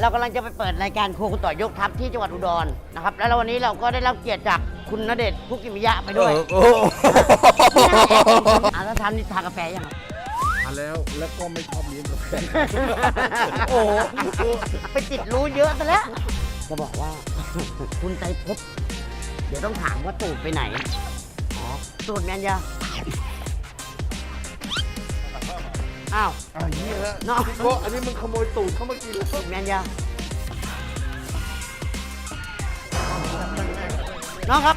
เรากำลังจะไปเปิดรายการครัวคุณต่อยกทัพที่จังหวัดอุดรนะครับแล้ววันนี้เราก็ได้รับเกียรติจากคุณณเดชน์คุกิมิยะไปด้วยแล้วทำนี่ทานกาแฟยังครับทานแล้วก็ไม่ชอบเลี้ยงกาแฟโอ้โหไปติดรู้เยอะซะแล้วจะบอกว่า คุณไตรภพเดี๋ยวต้องถามว่าตูดไปไหนตูดแมนยาอ้าวเหี้ยฮะน้องก็อันนี้มึงขโมยตูดเข้ามากินแล้วแมนยาน้องครับ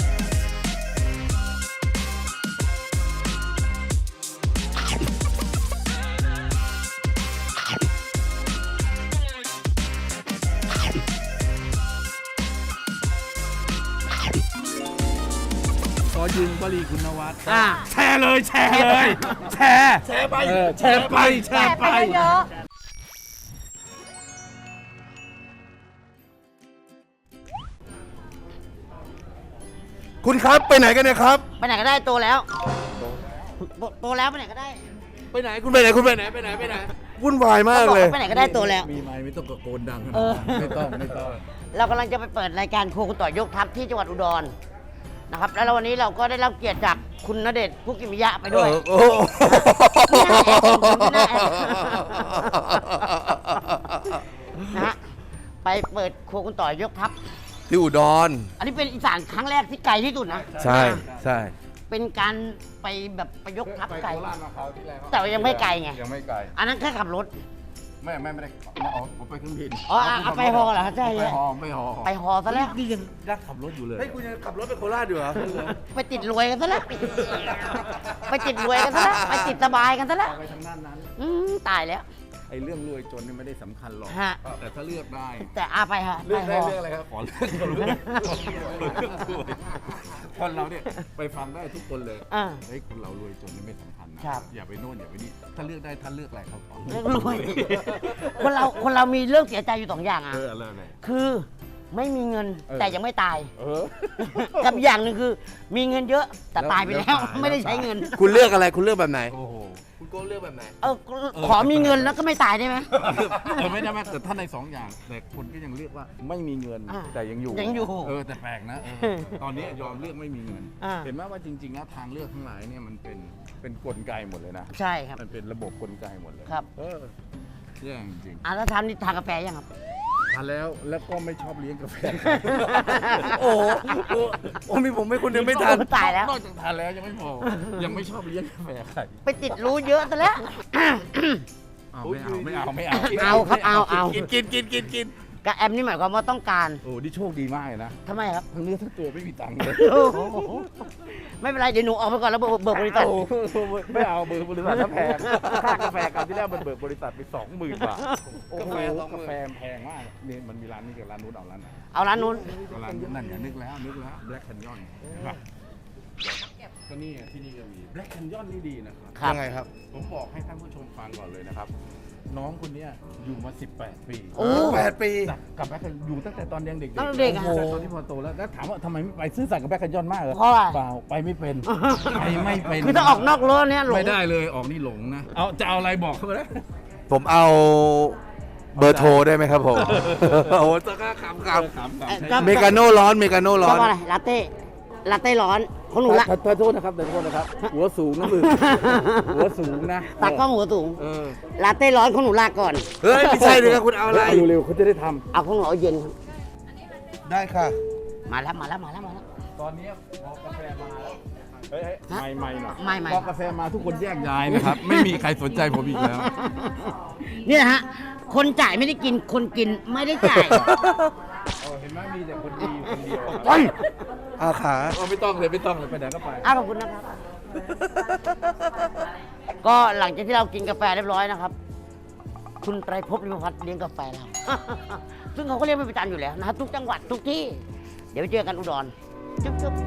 ขอยืมวลีคุณนวัดแชร์เลยแชร์เลยแชร์ไปแชร์ไปแชร์ไปเยอะคุณครับไปไหนกันเนี่ยครับไปไหนก็ได้โตแล้วโตแล้วไปไหนก็ได้ไปไหนคุณไปไหนคุณไปไหนไปไหนไปไหนวุ่นวายมากเลยไปไหนก็ได้โตแล้วมีไม้ไม่ต้องตะโกนดังขนาดเออนั้นไม่ต้องเรากำลังจะไปเปิดรายการครัวคุณต่อยกทัพที่จังหวัดอุดรนะครับแล้ววันนี้เราก็ได้รับเกียรติจากคุณณเดชน์คุกิมิยะไปด้วยนะฮะไปเปิดครัวคุณต่อยกทัพที่อุดรอันนี้เป็นอีสานครั้งแรกที่ไกลที่สุดนะใช่ใช่เป็นการไปแบบไปยกทัพไกลโคราชมาคราวที่แล้วแต่ว่ายังไม่ไกลไงยังไม่ไกลอันนั้นแค่ขับรถไม่ได้ผมไปเครื่องบินอ๋อเอาไปฮอเหรอใช่ไปฮอไม่ฮอไปฮอซะแล้วนี่ยังรักขับรถอยู่เลยเฮ้ยคุณยังขับรถไปโคราชอยู่เหรอไปติดรวยกันซะแล้ว ไปติดรวยกันซะแล้ว ไปติดสบายกันซะแล้วไปทางด้านนั้นตายแล้วไอ้เรื่องรวยจนนี่ไม่ได้สำคัญหรอกฮะแต่ถ้าเลือกได้แต่ไปฮะเลือกได้ปฮเรื่องอะไรครับขอเลือกคนรวยคนเราเนี่ยไปฟังได้ทุกคนเลยอ่าเฮ้ยคนเรารวยจนนี่ไม่สำคัญนะครับ อย่าไปโน่นอย่าไปนี่ถ้าเลือกได้ท่านเลือกอะไรครับขอเรื่องรวยคนเรามีเรื่องเสียใจอยู่สองอย่างอ่ะอะไรอะไรคือไม่มีเงินแต่ยังไม่ตายอกับอย่างหนึ่งคือ มีเงินเยอะแต่ตายไปแล้ว ไม่ได้ใช้เงินคุณเลือกอะไรคุณเลือกแบบไหนโอ้โหคุณโก้เลือกแบบไหนขอมีเงินแล้วก็ไม่ตายได้ไหมไม่ได้ไหมแต่ถ้าในสองอย่างแต่คนก็ยังเลือกว่าไม่มีเงินอ่าแต่ยังอยู่ยังอยู่แต่แปลกนะตอนนี้ยอมเลือกไม่มีเงินอ่าเห็นไหมว่าจริงๆแล้วทางเลือกทั้งหลายเนี่ยมันเป็นกลไกหมดเลยนะใช่ครับมันเป็นระบบกลไกหมดเลยครับแย่จริงแล้วทำนี่ทานกาแฟยังครับทานแล้วก็ไม่ชอบเลี้ยงกาแฟโอ้โหโอ้มีผมไม่คนเดียวไม่ทันตายแล้วนอกจากทานแล้วยังไม่พอยังไม่ชอบเลี้ยงกาแฟใครไปติดรู้เยอะซะแล้วไม่เอาเอาครับเอากินกับแอมนี่หมายความว่าต้องการโอ้นี่โชคดีมากเลยนะทำไมครับทั้งเนื้อทั้งตัวไม่มีตังค์เลยไม่เป็นไรเดี๋ยวหนูออกไปก่อนแล้วเบิกบริษัทโอ้โหไม่เอาเบิกบริษัทถ้าแพงค่ากาแฟคราวที่แล้วมันเบิกบริษัทไป 20,000 บาทโอ้โหกาแฟแพงมากนี่มันมีร้านนี้กับร้านนู้นเอาร้านไหนเอาร้านนู้นเอาร้านนั่นอย่านึกแล้วแบล็คแคนยอนก็นี่ที่นี่ก็มีแบล็คแคนยอนนี่ดีนะครับครับยังไงครับผมบอกให้ท่านผู้ชมฟังก่อนเลยนะครับ น้องคนเนี้ยอยู่มา 18 ปีโอ้ 8 ปีกับแบ็คอยู่ตั้งแต่ตอนยังเด็กๆตั้งแต่เด็กอะโอ้โหตอนที่พอโตแล้วถามว่าทำไมไม่ไปซื่อสัตย์กับแบ็คแคนยอนมากเหรอเพราะอะไรเปล่าไปไม่เป็นไปไม่เป็นคือถ้าออกนอกรั้วเนี่ยหลงไม่ได้เลยออกนี่หลงนะเอาจะเอาอะไรบอกเขาเลยผมเอาเบอร์โทรได้ไหมครับผม โอ้จะกล้าขำครับเมกาโน่ร้อนเมกาโน่ร้ชออน บอะไรลาเต้ร้อนของหนูละขอโทษนะครับหัวสูงนะมึงหัวสูงนะตากล้องหัวสูงเออลาเต้ร้อนของหนูลาก่อนเฮ้ยไม่ใช่เลยครับคุณเอาอะไรเร็วๆเขาจะได้ทเอาของหนูเอาเย็นครับได้ค่ะมาแล้วำตอนนี้พอกาแฟมาแล้วเฮ้ยไม่หน่อยไม่พอกาแฟมาทุกคนแยกย้ายนะครับ ไม่มีใครสนใจผมอีกแล้วนี่นะฮะ คนจ่ายไม่ได้กิน คนกินไม่ได้จ่ายเห็นไหมมีแต่คนดีคนเดียวโอ้ยอาขาไม่ต้องเลยไปไหนก็ไปขอบคุณนะครับ ก็หลังจากที่เรากินกาแฟเรียบร้อยนะครับ คุณไตรภพลิมพัฒน์เลี้ยงกาแฟเรา ซึ่งเขาก็เลี้ยงเป็นประจำอยู่แล้วนะครับทุกจังหวัดทุกที่ เดี๋ยวไปเจอกันอุดรจุ๊บ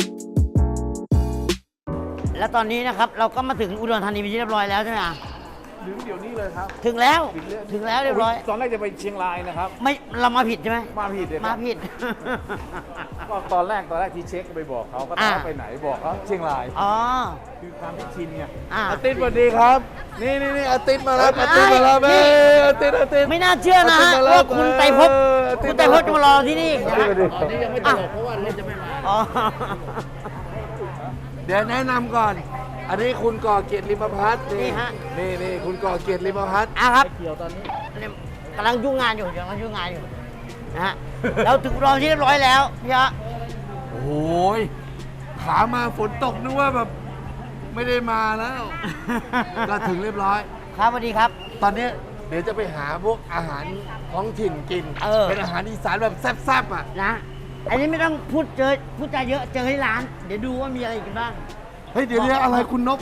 แล้วตอนนี้นะครับเราก็มาถึงอุดรธานีเป็นที่เรียบร้อยแล้วใช่ไหมอ่ะถึงเดี๋ยวนี้เลยครับถึงแล้วถึงแล้วเรียบร้อยตอนแรกจะไปเชียงรายนะครับไม่เรามาผิดใช่ไหมมาผิดเลยคมารับผิดก็ตอนแรกที่เช็คไปบอกเขาก็ถามว่าไปไหนบอกเขาเชียงรายอ๋อคือความที่ชินไงอาติสสวัสดีครับ นี่อาติสมาแล้วอาติสมาแล้วนี่อาติสไม่น่าเชื่อนะฮะว่าคุณไตรภพคุณไตรภพจะมารอที่นี่นะฮะตอนนี้ยังไม่ตลกเพราะว่ารถจะไม่มาอ๋อเดี๋ยวแนะนำก่อน อันนี้คุณก่อเกียรติริมพัฒน์นี่ฮะนี่คุณก่อเกียรติริมพัฒน์ครับเกี่ยวตอนนี้กำลังยุ่งงานอยู่นะฮะเราถึงรอที่เรียบร้อยแล้วพี่ฮะโอ้ยขามาฝนตกนึกว่าแบบไม่ได้มาแล้ว ก็ถึงเรียบร้อยครับสวัสดีครับตอนนี้เดี๋ยวจะไปหาพวกอาหารท้องถิ่นกิน เป็นอาหารอีสานแบบแซ่บๆอ่ะนะ อันนี้ไม่ต้องพูดจาเยอะเจอที่ร้าน เดี๋ยวดูว่ามีอะไรกินบ้างเฮ้ยเดี๋ยวนี้อะไรคุณนก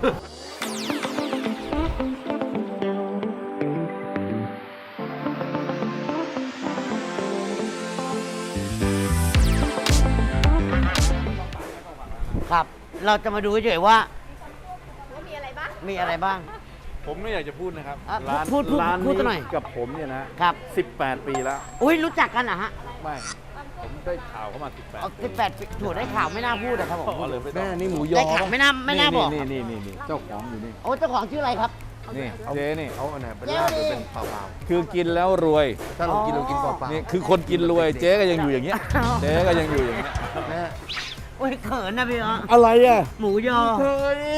ครับ เราจะมาดูเฉยๆว่ามีอะไรบ้างมีอะไรบ้างผมไม่อยากจะพูดนะครับอ่ะร้านพูดร้านพูดนี้หน่อยกับผมเนี่ยนะครับ 18 ปีแล้วอุ้ยรู้จักกันเหรอฮะไม่ ผมได้ข่าวเข้ามาเอา 18 ปี 18ปีถูกได้ข่าวไม่น่าพูดนะครับผมอ๋อเลยไม่ต้แม่องนี่หมูยอได้ข่าวไม่น่าบอกนี่เจ้าของอยู่นี่โอ้เจ้าของชื่ออะไรครับนี่เจ๊นี่เอาอันไหนเป็นลาบหรือเป็นเปล่าคือกินแล้วรวยๆถ้าเรากินเปล่านี่คือคนกินรวย เจ๊ก็ยังอยู่อย่างเงี้ย เจ๊ก็ยังอยู่อย่างเงี้ยๆแม่โอ้ยเขินนะพี่ฮะอะไรอ่ะหมูยอเฮ้ย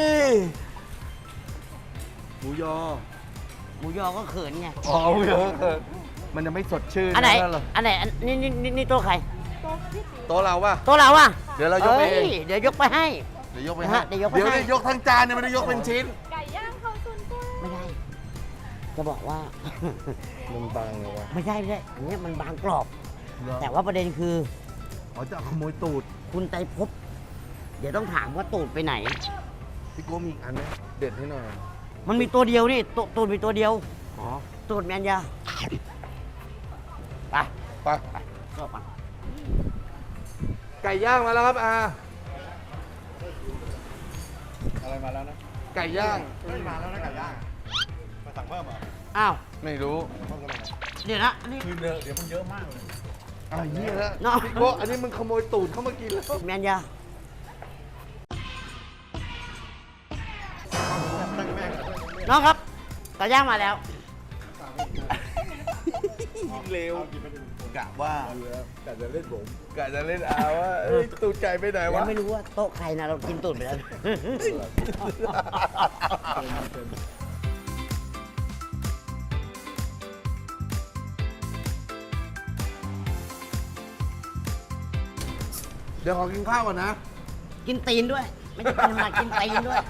หมูยอหมูยอก็เขินไงอ๋อหมูยอมันจะไม่สดชื่นอันไหนถ้าเราอันไหนนี่โต๊ะใครโต๊ะเราป่ะโต๊ะเราอะเดี๋ยวเรายกไปเองยเดี๋ยวยกไปให้เดี๋ยวยกไปนะให้ฮะเดี๋ยวยกไปเดี๋ยวให้ได้ยกทั้งจานเนี่ยไม่ได้ยกเป็นชิ้นไก่ย่างเขาซุนกุ้งไม่ได้ จะบอกว่ามันบางเลยวะไม่ใช่อันนี้มันบางกรอบ แต่ว่าประเด็นคือเขาจะขโมยตูดคุณไตรภพเดี๋ยวต้องถามว่าตูดไปไหนพี่โก้มีอีกอันไหมเด็ดให้หน่อยมันมีตัวเดียวนี่ตูดมีตัวเดียวอ๋อตูดแมนยาไปไปเข้าไปไก่ย่างมาแล้วครับอาอะไรมาแล้วนะไก่ย่างมาแล้วนะไก่ย่างมาสั่งเพิ่มเหรออ้าวไม่รู้เดี๋ยวนะอันนี้คือเดี๋ยวมันเยอะมากเลยเหี้ยแล้วเนาะพี่โก้อันนี้มึงขโมยตูดเข้ามากินแล้วแมนยาน้องครับไก่ย่างมาแล้วเร็วกะว่ากะจะเล่นผมกะจะเล่นอาว่าเอ้ยตูดไก่ไปไหนยัวะงไม่รู้ว่าโต๊ะใครนะเรากินตูดไปแล้วเดี๋ยวขอกินข้าวก่อนนะกินตีนด้วย ไม่ใช่กินมากินตีนด้วย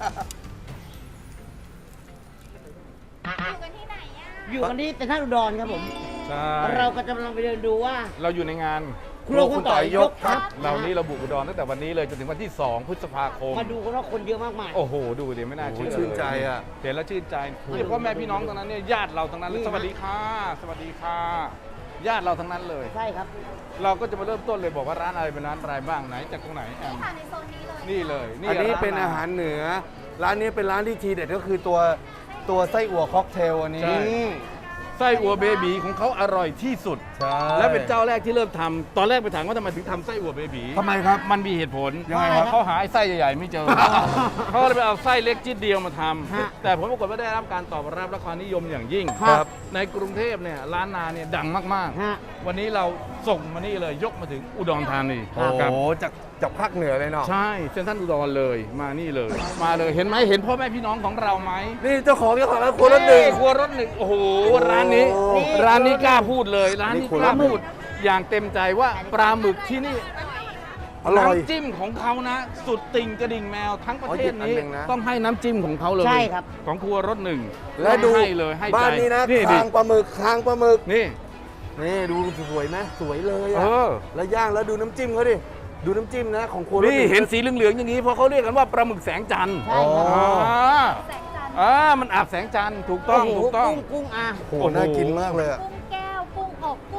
อยู่กันที่ไหนอ่ะอยู่กันที่เซ็นทรัลอุดรครับผมใช่เราก็จะกำลังไปเดินดูว่าเราอยู่ในงานครัวคุณต่อยยกครับเรานี่เราบุกอุดรตั้งแต่วันนี้เลยจนถึงวันที่ 2 พฤษภาคมมาดูกันว่าคนเยอะมากมายโอ้โห ดูดิไม่น่าเชื่อโอ้โหชื่นใจอะเห็นแล้วชื่นใจนี่พ่อแม่พี่น้องตรงนั้นเนี่ยญาติเราทั้งนั้นเลยนี่สฮะวัสดีค่ะ สวัสดีค่ะ ญาติเราทั้งนั้นเลยใช่ครับเราก็จะมาเริ่มต้นเลยบอกว่าร้านอะไรเป็นร้านอะไรบ้างไหนจากตรงไหนแอมค่ะในโซนนี้เลยนี่เลยอันนี้เป็นอาหารเหนือ ร้านนี้เป็นร้านที่ทีเด็ดก็คือตัวไส้อั่วค็อกเทลอันนี้ใช่ไส้อั่วเบบีของเขาอร่อยที่สุดใช่และเป็นเจ้าแรกที่เริ่มทำตอนแรกไปถามว่าทำไมถึงทำไส้อั่วเบบีทำไมครับมันมีเหตุผลยังไงครับเขาหาไอ้ไส้ใหญ่ๆไม่เจอ เขาเลยไปเอาไส้เล็กจิดเดียวมาทฮะำแต่ผลปรากฏว่าได้รับการตอบรับและความนิยมอย่างยิ่งครับในกรุงเทพเนี่ยร้านนาเนี่ยดังมากฮะๆ วันนี้เราส่งมานี่เลยยกมาถึงอุดรธานีโอ้ครับโหจากภาคเหนือเลยเนาะใช่เซ็นทรัลอุดรเลยมานี่เลย มาเลยเห็นไหมเห็นพ่อแม่พี่น้องของเราไหมนี่เจ้าของร้านครัวรถหนึ่งครัวรถหนึ่งโอ้โหร้านนี้โอ้ร้านนี้กล้าพูดเลย ร้านนี่นี้ครัวกรล้าถหนึ่งพูดอย่างเต็มใจว่าปลาหมึกที่นี่อร่อยน้ำจิ้มของเขานะ สุดติ่งกระดิ่งแมวทั้งประเทศอ๋อหยิบอันนี้หนึ่งนะต้องให้น้ำจิ้มของเขาเลยใช่ครับของครัวรถหนึ่งและดูให้เลยให้ใจบ้านนี้นะดิคางปลาหมึกคางปลาหมึกนี่นี่ดูสวยไหมสวยเลยเออะอแล้วย่างแล้วดูน้ำจิ้มเขาดิ ดูน้ำจิ้มนะของครัวรถนี่นึ่งเห็นสีเหลืองๆอย่างนี้เพราะเขาเรียกกันว่าปลาหมึกแสงจันทร์ใช่ครับอ๋อแสงจันทร์มันอาบแสงจันทร์ถูกต้องโโหถูกต้องกุ้งอ่ะโอ้โหน่ากินมากเลยอะกุ้งแก้ว กุ้งอบ กุ้งหวาน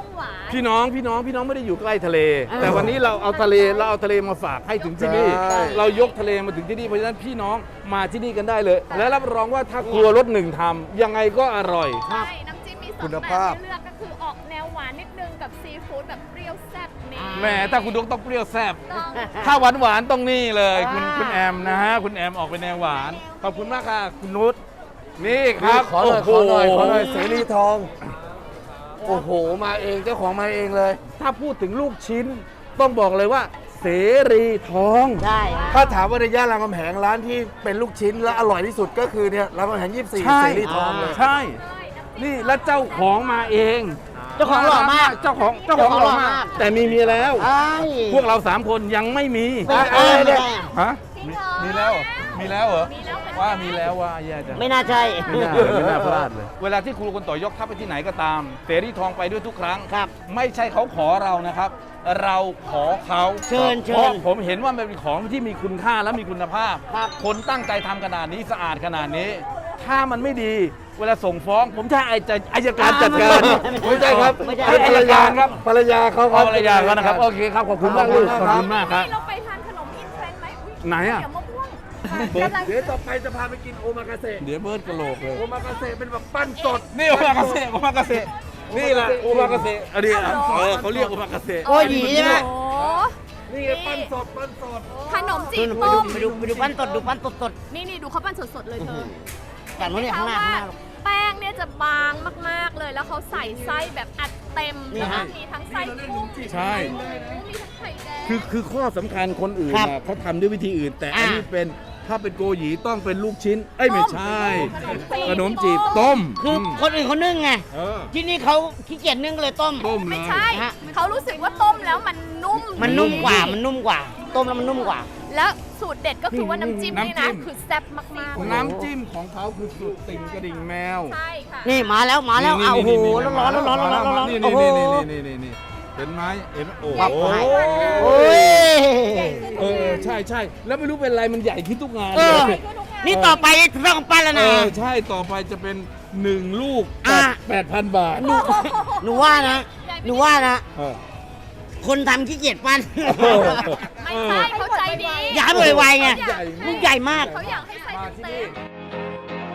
พี่น้องไม่ได้อยู่ใกล้ทะเล แต่วันนี้เราเอาทะเลมาฝากให้ถึงที่นี่ใช่เรายกทะเลมาถึงที่นี่เพราะฉะนั้นพี่น้องมาที่นี่กันได้เลย และรับรองว่าถ้าครัวรสหนึ่งทำยังไงก็อร่อยใช่น้ำจิ้มมีสองคุณแบบภาพให้เลือกก็คือออกแนวหวานนิดนึงกับซีฟู้ดแบบเปรี้ยวแซ่บนี่แหมถ้าคุณดวงต้องเปรี้ยวแซ่บต้องถ้าหวานต้องนี่เลยคุณแอมนะฮะคุณแอมออกเป็นแนวหวานขอบคุณมากค่ะคุณนุชนี่ครับขอหน่อยโโขอหน่อยเสรีทอง โอ้โห มาเองเจ้าของมาเองเลยถ้าพูดถึงลูกชิ้นต้องบอกเลยว่าเสรีทองใช่ฮะถ้าถามว่าในย่านรามคำแหงร้านที่เป็นลูกชิ้นและอร่อยที่สุดก็คือเนี่ยรามคำแหง24 ใช่เสรีทองเลยใช่ นี่แล้วเจ้าของมาเองเจ้าของหล่อมากเจ้าของหล่อมาก แต่มีเมียแล้วใช่พวกเรา3คนยังไม่มีไม่ได้ไม่ได้ฮะจริงเหรอมีแล้วเหรอมีแล้วเหรอมีแล้วเหมือนกันว่ามีแล้วว่าแย่จังไม่น่าใช่ไม่น่าพลาดเลย เวลาที่ครูคนต่อยกทัพไปที่ไหนก็ตามเสรีทองไปด้วยทุกครั้งครับไม่ใช่เขาขอเรานะครับ เราขอเขาเชิญเพราะผมเห็นว่ามันเป็นของที่มีคุณค่าและมีคุณภาพครับคนตั้งใจทำขนาดนี้สะอาดขนาดนี้ ถ้ามันไม่ดี เวลาส่งฟ้อง ผมจะให้อายการจัดการไม่ใช่ครับไม่ใช่ให้อายการครับภรรยาเขาคเอารับภรรยาเขานะครับโอเคครับขอบคุณมากลูกขอบคุณมากครับนี่เราไปทานขนมอินเทรนด์ไหมอุ๊ยไหนอะเดี๋ยวมะม่วงกำลังเดี๋ยวต่อไปจะพาไปกินโอมากาเสะเดี๋ยวเบิร์ดกระโหลกเลยโอมากาเสะเป็นแบบปั้นสดนี่โอมากาเสะโอมากาเสะนี่แหละโอมากาเสะอันนี้เขาเรียกโอมากาเสะโอ้ยหยีใช่ไหมโอ้นี่ไงปั้นสดปั้นสดขนมจีดูบไปต้ดูมไปดูไปดูปั้นสดดูปั้นสดสดนี่ดูเขาปั้นสดๆเลยเธอจากนู้นเนี่ยข้างหน้าข้างหน้าแป้งเนี่ยจะบางมากๆเลย แล้วเขาใส่ไส้แบบอัดเต็มนี่แล้วฮะก็มีทั้งไส้กุ้งใช่มีทั้งไข่แดงคือข้อสำคัญคนอื่นครับน่ะเขาทำด้วยวิธีอื่น แต่อันอ่านี้เป็นถ้าเป็นโกหยีต้องเป็นลูกชิ้น เอ้ยไม่ใช่ ขขนนมมจีจีบบต้ต้มมคือคนอื่นเขานึ่งไงเออที่นี่เขาขี้เกียจนึ่งก็เลยต้มต้มเลไม่ยใช่ฮะเขารู้สึกว่าต้มแล้วมันนุ่มมันนุ่มกว่ามันนุ่มกว่า ต้มแล้วมันนุ่มกว่าแล้วสูตรเด็ดก็คือว่าน้ำจิ้มนี่นะ คือแซ่บมากๆน้ำจิ้มของเขาคือสุดติ่งกระดิ่งแมวใช่ค่ะนี่มาแล้วมาแล้วเอาโอ้โหร้อนร้อนร้อนร้อนร้อนร้อนนี่โอ้โหนี่เห็นไหมเห็นโอ้ปั๊บโหให้โอ้ยใช่แล้วไม่รู้เป็นไรมันใหญ่ขึ้นทุกงานเอเลอย นี่ต่อไปจะต้องปั้นแล้วนะใช่ต่อไปจะเป็น1ลูกอ่ะ 8,000 บาทหนูว่านะหนูว่านะเออคนทำขี้เกียจปั้นไม่ใช่เขาใจดีอยากให้ไวๆไงใหญ่ลูกใหญ่มากเขาอยากให้ใส่มาที่เต็นี่ม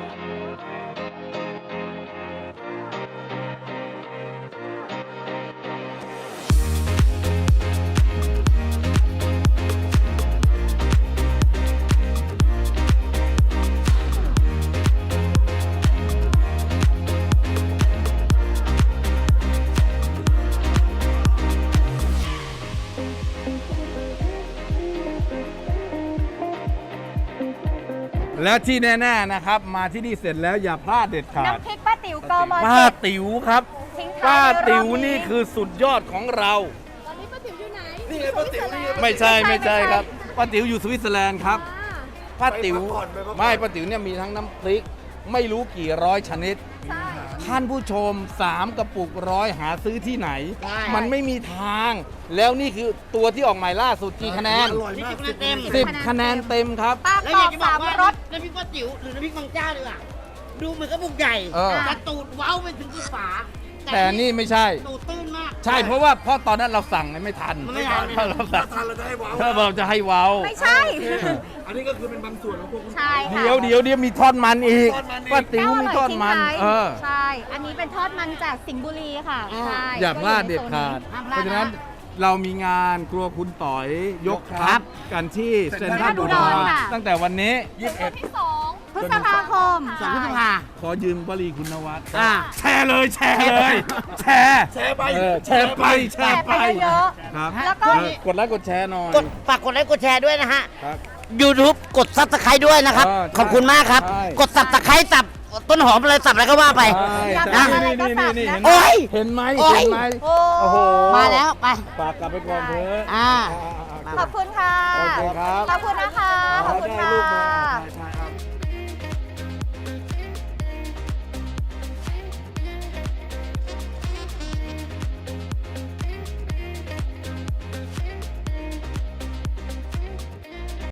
แล้วที่แน่ๆนะครับ มาที่นี่เสร็จแล้วอย่าพลาดเด็ดขาดน้ำพริกป้าติ๋วกมป้าติ๋วครับทิ้งท้ายป้าติ๋วไรอบนี่คือสุดยอดของเราตอนนี้ป้าติ๋วอยู่ไหนนี่ไงป้าติ๋วนี่ไงไม่ใช่ครับป้าติ๋วอยู่สวิตเซอร์แลนด์ครับอ่าป้าติ๋วไปพักผ่อนไปพักผ่อนไม่ป้าติ๋วเนี่ยมีทั้งน้ำพริก ไม่รู้กี่ร้อยชนิดใช่ท่านผู้ชม 3 กระปุกร้อยหาซื้อที่ไหนใช่มันไม่มีทาง แล้วนี่คือตัวที่ออกใหม่ล่าสุดกี่คะแนนอร่อยมากนี่10คะแนนเต็ม 10 คะแนนเต็มครับป้าแล้วกรออยากบจะบอสาก มว่ารสน้ำพริกป้าติ๋วหรือน้ำพริกบางเจ้าดีกว่าดูเหมือนกระปุกใหญ่เออแต่ตูดเว้าไปถึงที่ฝาแต่นี่ไม่ใช่ตูดตื้นมากใช่เพราะตอนนั้นเราสั่งไม่ทันมันไม่ทันเราสั่งทานเราจะให้ว้าวถ้าเราจะให้เว้าไม่ใช่อันนี้ก็คือเป็นบางส่วนของพวกคุณใช่ค่ะเดี๋ยวมีทอดมันอีกทอดมันอีกป้าติ๋วมีทอดมันแก้วอร่อยทิ้งท้ายเออใช่ อันนี้เป็นทอดมันจากสิงห์บุรีค่ะ ใช่อย่าพลาดเด็ดขาดห้ามพเพลาดราะฉะนั้นนะเรามีงานครัวคุณต่อยยกครัทัพบกันที่เซ็นทรัลอุอุดดรรค่ะตั้งแต่วันนี้เป็นวันที่2 พฤษภาคม 2 พฤษภาขอยืมวลีคุณนวัดอ่าแชร์เลยแชร์เลย แชร์แชร์ไปแชร์ไปแชร์ไปเยอะครับแล้วก็กดไลค์กดแชร์หน่อยกดฝากกดไลค์กดแชร์ด้วยนะฮะครับ YouTube กดซับสไครต์ด้วยนะครับเออใช่ขอบคุณมากครับใช่กดสับตะไคร้สับต้นหอมอะไรสับอะไรก็ว่าไปอยากนะทำอะไรก็สั่งนะโอ๊ยเห็นไหมโอ๊ยเห็นไหมโอ้โอ้โหมาแล้วไปฝากกลับไปก่อนเถอะอ่าขอบคุณค่ะโอเคครับขอบคุณนะคะ ขอบคุณได้ค่ะลูกมาใช่